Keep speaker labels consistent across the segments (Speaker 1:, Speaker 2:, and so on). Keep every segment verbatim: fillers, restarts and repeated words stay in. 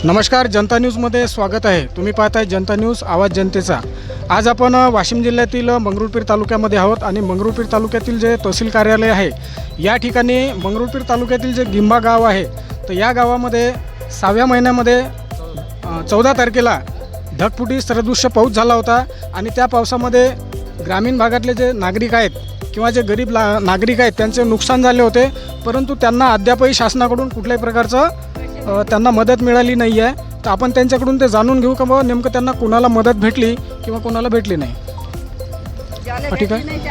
Speaker 1: नमस्कार, जनता न्यूजमध्ये स्वागत आहे। तुम्ही पाहताय जनता न्यूज, आवाज जनतेचा। आज आपण वाशिम जिल्ह्यातील मंगरुळपीर तालुक्यामध्ये आहोत आणि मंगरुळपीर तालुक्यातील जे तहसील कार्यालय आहे या ठिकाणी मंगरुळपीर तालुक्यातील जे गिंबा गाव आहे, तर या गावामध्ये सहाव्या महिन्यामध्ये चौदा तारखेला ढगफुटी सदृश्य पाऊस झाला होता आणि त्या पावसामध्ये ग्रामीण भागातले जे नागरिक आहेत किंवा जे गरीब नागरिक आहेत त्यांचे नुकसान झाले होते, परंतु त्यांना अद्यापही शासनाकडून कुठल्याही प्रकारचं त्यांना मदत मिळाली नाही आहे। तर आपण त्यांच्याकडून ते जाणून घेऊ का बाबा नेमकं त्यांना कोणाला मदत भेटली किंवा कोणाला भेटली नाही। ठीक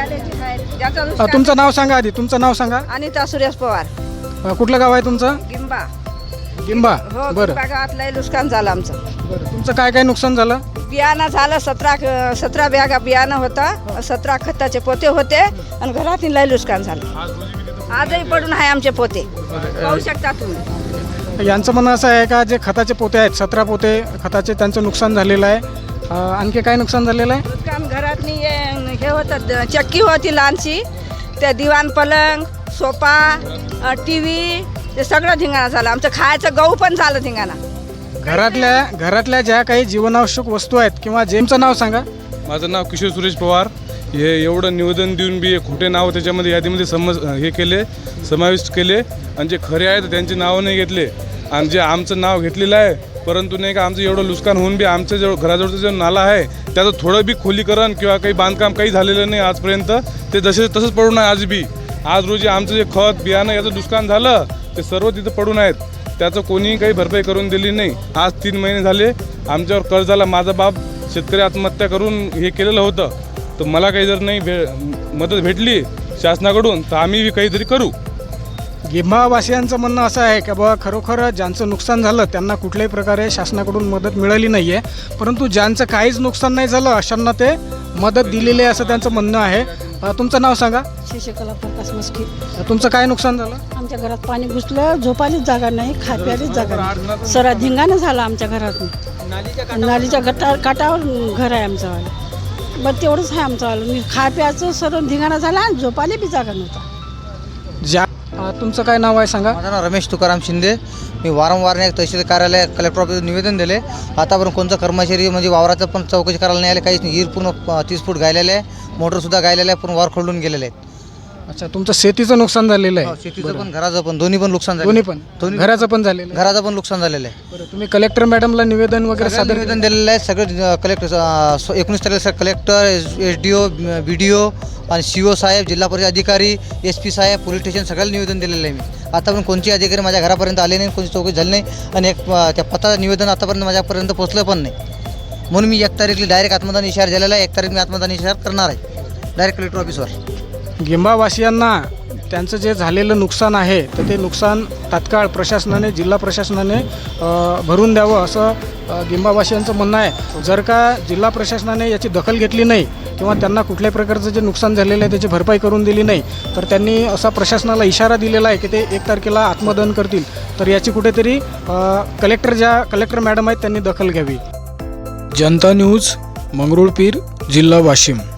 Speaker 1: आहे, तुमचं नाव सांगा आधी, तुमचं नाव सांगा।
Speaker 2: अनिता सुरेश पवार।
Speaker 1: कुठलं गाव आहे तुमचं?
Speaker 2: गिंबा।
Speaker 1: गिंबा,
Speaker 2: हो,
Speaker 1: बरं।
Speaker 2: गावात लय नुकसान झालं आमचं।
Speaker 1: बरं, तुमचं काय काय नुकसान झालं?
Speaker 2: बियाणं झालं, सतरा सतरा बॅगा बियाणं होता, सतरा खताचे पोते होते आणि घरातील लय नुकसान झालं। आजही पडून आहे आमचे पोते, पाहू शकता तुम्ही।
Speaker 1: यांचं म्हणणं असं आहे का जे खताचे पोते आहेत, सतरा पोते खताचे, त्यांचं नुकसान झालेलं आहे। आणखी काय नुकसान झालेलं आहे?
Speaker 2: नुकसान घरातनी हे होतं, चक्की होती लहानशी, त्या दिवाण पलंग, सोफा, टी व्ही, ते सगळं धिंगाणा झालं। आमचं खायचं गहू पण झालं धिंगाणा।
Speaker 1: घरातल्या घरातल्या ज्या काही जीवनावश्यक वस्तू आहेत किंवा जेमचं नाव सांगा।
Speaker 3: माझं नाव किशोर सुरेश पवार। हे एवढं निवेदन देऊन बी खोटे नाव त्याच्यामध्ये यादीमध्ये समज हे केले, समाविष्ट केले आणि जे खरे आहेत त्यांचे नावं नाही घेतले आणि जे आमचं नाव घेतलेलं आहे, परंतु नाही का आमचं एवढं नुकसान होऊन बी आमचं जो घराजवळचं जो नाला आहे त्याचं थोडं बी खोलीकरण किंवा काही बांधकाम काही झालेलं नाही आजपर्यंत। ते जसे तसंच पडून आहे आज बी। आज रोजी आमचं जे खत बियाणं याचं नुकसान झालं ते सर्व तिथं पडून आहेत, त्याचं कोणीही काही भरपाई करून दिली नाही। आज तीन महिने झाले आमच्यावर कर्ज झाला। माझा बाप शेतकरी आत्महत्या करून हे केलेलं होतं, तर मला काही जर नाही भे मदत भेटली शासनाकडून तर आम्ही काहीतरी करू।
Speaker 1: गिंबावासियांचं म्हणणं असं आहे की बाबा खरोखर ज्यांचं नुकसान झालं त्यांना कुठल्याही प्रकारे शासनाकडून मदत मिळाली नाही आहे, परंतु ज्यांचं काहीच नुकसान नाही झालं अशांना ते मदत दिलेली आहे असं त्यांचं म्हणणं आहे। तुमचं नाव सांगा।
Speaker 4: शशिकला प्रकाश मस्की।
Speaker 1: तुमचं काय नुकसान झालं?
Speaker 4: आमच्या घरात पाणी घुसलं, झोपायलाच जागा नाही, खाप्यालाच जागा नाही, सरा धिंगाणं झालं आमच्या घरातून। नालीच्या गटा काटावर घर आहे आमचं, बरं तेवढंच आहे आमचं। खाप्याचं सर्व धिंगाणा झाला आणि झोपायला बी जागा नव्हता।
Speaker 1: ज्या तुमचं काय नाव आहे सांगा?
Speaker 5: माझं नाव रमेश तुकाराम शिंदे। मी वारंवार एक तहसील कार्यालय कलेक्टर ऑफिस निवेदन दिले, आतापर्यंत कोणतं कर्मचारी म्हणजे वावराचं पण चौकशी करायला नाही आले, काहीच नाही। हिर पूर्ण तीस फूट गायलेलं आहे, मोटरसुद्धा गायलेलं आहे, पूर्ण वार खोलून गेलेले आहेत।
Speaker 1: अच्छा, तुमचं शेतीचं नुकसान झालेलं आहे?
Speaker 5: शेतीचं पण घराचं पण दोन्ही पण नुकसान झालं।
Speaker 1: दोन्ही पण, दोन्ही घराचं पण झालेलं आहे,
Speaker 5: घराचं पण नुकसान झालेलं आहे।
Speaker 1: बरं, तुम्ही कलेक्टर मॅडमला निवेदन वगैरे सादर
Speaker 5: निवेदन दिलेलं आहे सगळे कलेक्टर एकोणीस तारखेला collector, S D O, B D O आणि सी ओ साहेब, जिल्हा परिषद अधिकारी, एस पी साहेब, पोलीस स्टेशन सगळ्याला निवेदन दिलेलं आहे मी। आतापर्यंत कोणते अधिकारी माझ्या घरापर्यंत आले नाही, कोणती चौकशी झाली नाही आणि एक त्या पत्राचं निवेदन आतापर्यंत माझ्यापर्यंत पोहोचलं पण नाही। म्हणून मी एक तारीखला डायरेक्ट आत्मदान इशारा झालेला आहे। एक तारीख मी आत्मदान इशारा करणार आहे डायरेक्ट कलेक्टर ऑफिसवर।
Speaker 1: गिंबावासियांना त्यांचं जे झालेलं नुकसान आहे तर ते नुकसान तात्काळ प्रशासनाने, जिल्हा प्रशासनाने भरून द्यावं असं गिंबावासियांचं म्हणणं आहे। जर का जिल्हा प्रशासनाने याची दखल घेतली नाही किंवा त्यांना कुठल्याही प्रकारचं जे नुकसान झालेलं आहे त्याची भरपाई करून दिली नाही तर त्यांनी असा प्रशासनाला इशारा दिलेला आहे की ते एक तारखेला आत्मदहन करतील। तर याची कुठेतरी कलेक्टर ज्या कलेक्टर मॅडम आहेत त्यांनी दखल घ्यावी। जनता न्यूज, मंगरुळपीर, जिल्हा वाशिम।